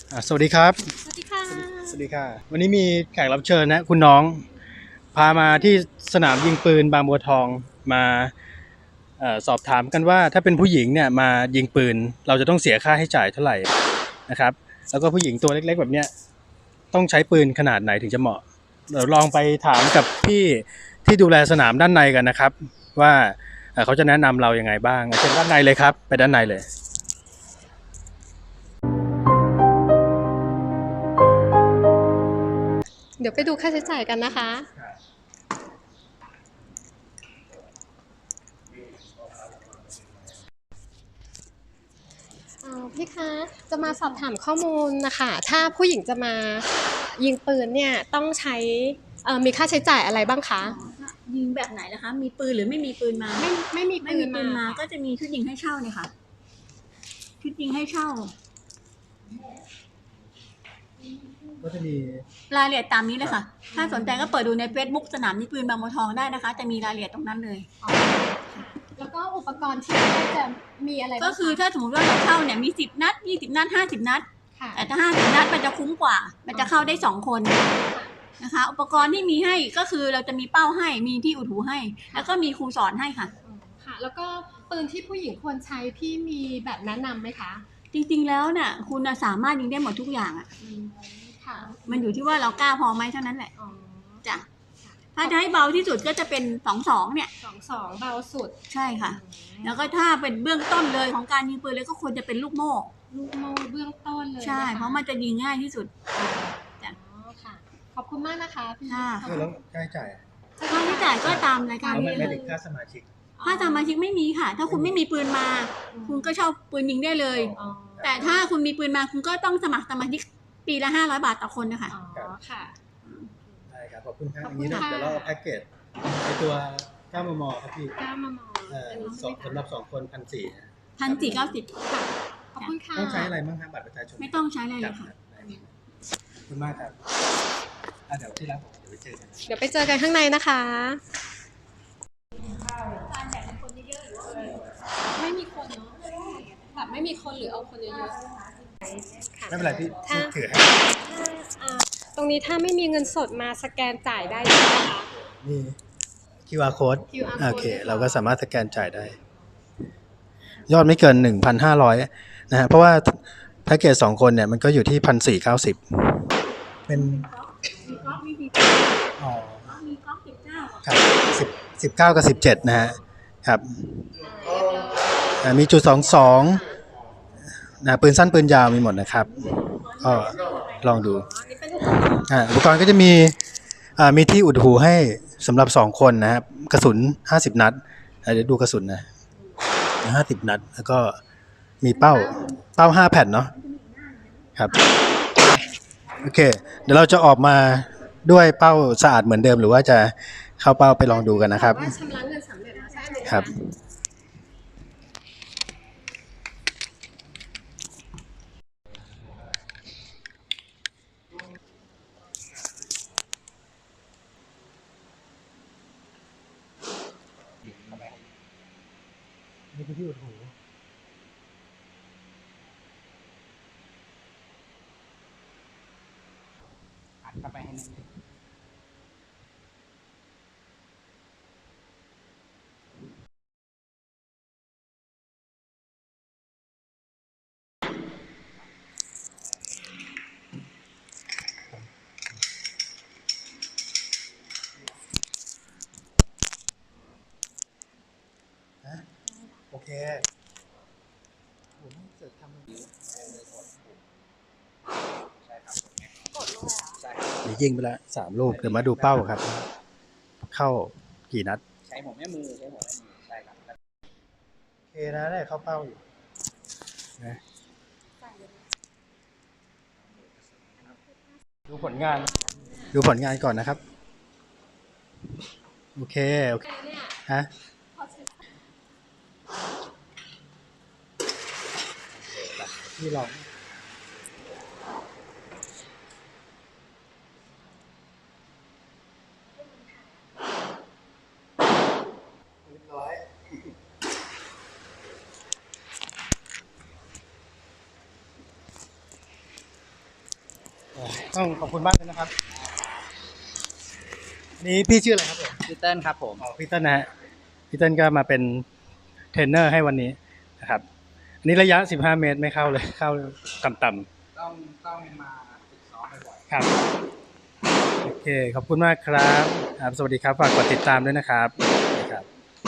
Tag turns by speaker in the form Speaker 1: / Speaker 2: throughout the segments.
Speaker 1: สวัสดีครับ
Speaker 2: สวัสดีค่ะ
Speaker 1: สวัสดีค่ะวันนี้มีแขกรับเชิญนะคุณน้องพามาที่สนามยิงปืนบางบัวทองมาสอบถามกันว่าถ้าเป็นผู้หญิงเนี่ยมายิงปืนเราจะต้องเสียค่าให้จ่ายเท่าไหร่นะครับแล้วก็ผู้หญิงตัวเล็กๆแบบเนี้ยต้องใช้ปืนขนาดไหนถึงจะเหมาะเดี๋ยวลองไปถามกับพี่ที่ดูแลสนามด้านในกันนะครับว่าเขาจะแนะนำเรายังไงบ้างเชิญด้านในเลยครับไปด้านในเลย
Speaker 2: เดี๋ยวไปดูค่าใช้จ่ายกันนะคะพี่คะจะมาสอบถามข้อมูลนะคะถ้าผู้หญิงจะมายิงปืนเนี่ยต้องใช้มีค่าใช้จ่ายอะไรบ้างคะ
Speaker 3: ยิงแบบไหนล่ะคะมีปืนหรือไม่มีปืนมา
Speaker 2: ไม่มี
Speaker 3: ไม่
Speaker 2: ปืน
Speaker 3: มีปืนมา
Speaker 2: มา
Speaker 3: ก็จะมีชุดยิงให้เช่าเนี่ยค่ะชุดยิงให้เช่า
Speaker 1: ก็จะมี
Speaker 3: รายละเอียดตามนี้เลยค่ะถ้าสนใจก็เปิดดูใน Facebook สนามยิงปืนบางบัวทองได้นะคะจะมีรายละเอียดตรงนั้นเลย
Speaker 2: แล้วก็อุปกรณ์ที่จะมีอะไร
Speaker 3: ก็คือถ้าสมมติว่าเราเช่าเนี่ยมี10นัด20นัด50นัดแต่ถ้า50นัดมันจะคุ้มกว่ามันจะเข้าได้2คนนะคะอุปกรณ์ที่มีให้ก็คือเราจะมีเป้าให้มีที่อุดหูให้แล้วก็มีครูสอนให้ค่ะ
Speaker 2: แล้วก็ปืนที่ผู้หญิงควรใช้พี่มีแบบแนะนำไหมคะ
Speaker 3: จริงๆแล้วเนี่ยคุณสามารถยิงได้หมดทุกอย่างอ่ะมันอยู่ที่ว่าเรากล้าพอไหมเท่านั้นแหละจ้ะถ้าจะให้เบาที่สุดก็จะเป็น22เนี่ย
Speaker 2: 22เบาสุด
Speaker 3: ใช่ค่ะแล้วก็ถ้าเป็นเบื้องต้นเลยของการยิงปืนเลยก็ควรจะเป็นลูกโม่
Speaker 2: เบื้องต้นเลย
Speaker 3: ใช่เพราะมันจะยิงง่ายที่สุด
Speaker 2: จ้ะค่ะขอบคุณมากนะคะพี่
Speaker 1: แล้วค่าใช้จ่าย
Speaker 3: ค่าใช้จ่ายก็ตามรายการนี้
Speaker 1: เลยค่าสมาชิก
Speaker 3: ไม่มีค่ะถ้าคุณไม่มีปืนมาคุณก็เช่าปืนยิงได้เลยแต่ถ้าคุณมีปืนมาคุณก็ต้องสมัครสมาชิกปีละ500 บาทต่อคนนะคะ
Speaker 2: ค่ะ
Speaker 1: ได้ครับขอบคุณครับอย่างนี้เดี๋ยวเราเอาแพ็กเกจในตัว9 มมครับพี่
Speaker 2: 9 มม
Speaker 1: สำหรับ2 คน
Speaker 3: 1,490
Speaker 2: ขอบคุณค่ะ
Speaker 1: ต้องใช้อะไรบ้างครับบัตรประชาชน
Speaker 3: ไม่ต้องใช้อะไรเลยค่ะ
Speaker 1: ขอบคุณมากครับเดี๋ยวที่ร้านผม
Speaker 2: เดี๋ยวไปเจอกันข้างในนะคะไม่มีคนเนาะแบบไม่มีคนหรือเอาคนเยอะ
Speaker 1: ๆไม่เป็นไรพี่ถือให้
Speaker 2: ตรงนี้ถ้าไม่มีเงินสดมาสแกนจ่ายได้ใช่ไหมคะ
Speaker 1: มี QR code โอเคเราก็สามารถสแกนจ่ายได้ยอดไม่เกิน 1,500 นะฮะเพราะว่าแพ็กเกจ2 คนเนี่ยมันก็อยู่ที่ 1,490 เป็นอ๋อครับ19 กับ 17นะฮะครับมีจุด22นะปืนสั้นปืนยาวมีหมดนะครับก็ลองดูอุปกรณ์ก็จะมีที่อุดหูให้สำหรับ2 คนนะครับกระสุน50 นัดเดี๋ยวดูกระสุนนะ50 นัดแล้วก็มีเป้า5 แผ่นเนาะครับโอเคเดี๋ยวเราจะออกมาด้วยเป้าสะอาดเหมือนเดิมหรือว่าจะเข้าเป้าไปลองดูกันนะครับ
Speaker 2: ชำระเงินสำเร็จแล้วใช่ไหม
Speaker 1: ครับนี่คือที่อุดหูอัดเข้าไปให้แน่นโอเคผมเสร็จทำเดี๋ยวยิงไปละ3 ลูกเดี๋ยวมาดูเป้าครับเข้ากี่นัดใช้หัวแม่มือใช่ครับโอเคนะได้เข้าเป้าอยู่นะดูผลงานก่อนนะครับโอเคฮะที่ลองเรียบร้อยต้องขอบคุณมากเลยนะครับอันนี้พี่ชื่ออะไรครับผม
Speaker 4: พีเติ้ลครับผม
Speaker 1: อ๋อพี่เติ้ลนะฮะพี่เติ้ลก็มาเป็นเทรนเนอร์ให้วันนี้นะครับอันนี้ระยะ15 เมตรไม่เข้าเลยเข้าต่ำ
Speaker 4: ต้องมาฝึกซ้อมบ่อย
Speaker 1: ๆครับโอเคขอบคุณมากครับครับสวัสดีครับฝากกดติดตามด้วยนะครับสวัสดีครับ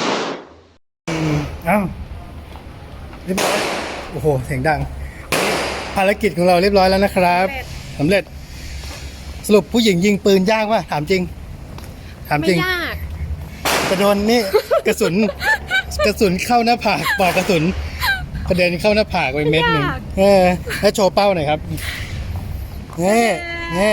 Speaker 1: เอ้าเรียบร้อยโอ้โหเสียงดังภารกิจของเราเรียบร้อยแล้วนะครับสำเร็จสรุปผู้หญิงยิงปืนยากป่ะถามจริงถามจ
Speaker 2: ไม่
Speaker 1: ริง
Speaker 2: ยาก
Speaker 1: กระโดนนี่ กระสุนเข้าหน้าผากปลอกกระสุนกระเด็นเข้าหน้าผากไปเม็ดหนึ่งแล้วโชว์เป้าหน่อยครับนี่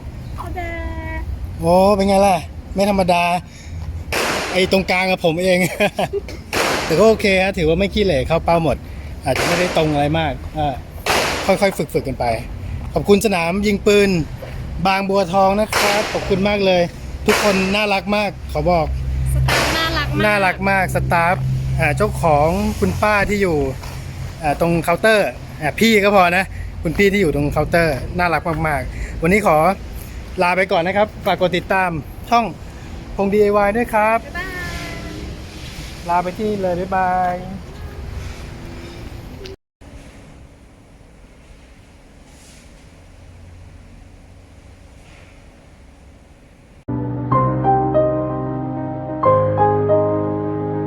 Speaker 1: โอ้เป็นไงล่ะไม่ธรรมดาไอ้ตรงกลางกับผมเอง แต่ก็โอเคฮะถือว่าไม่ขี้เหร่เข้าเป้าหมด อาจจะไม่ได้ตรงอะไรมากค่อยๆฝึกกันไปขอบคุณสนามยิงปืนบางบัวทองนะครับขอบคุณมากเลย ทุกคนน่ารักมากขอบอก
Speaker 2: สตาฟน่ารักมาก
Speaker 1: น่ารักมากสตาฟเจ้าของคุณป้าที่อยู่ตรงเคาน์เตอร์พี่ก็พอนะคุณพี่ที่อยู่ตรงเคาน์เตอร์น่ารักมากๆวันนี้ขอลาไปก่อนนะครับฝากกดติดตามช่องพง DIY ด้วยครับ
Speaker 2: บ๊ายบาย
Speaker 1: ลาไปที่เลยบ๊ายบาย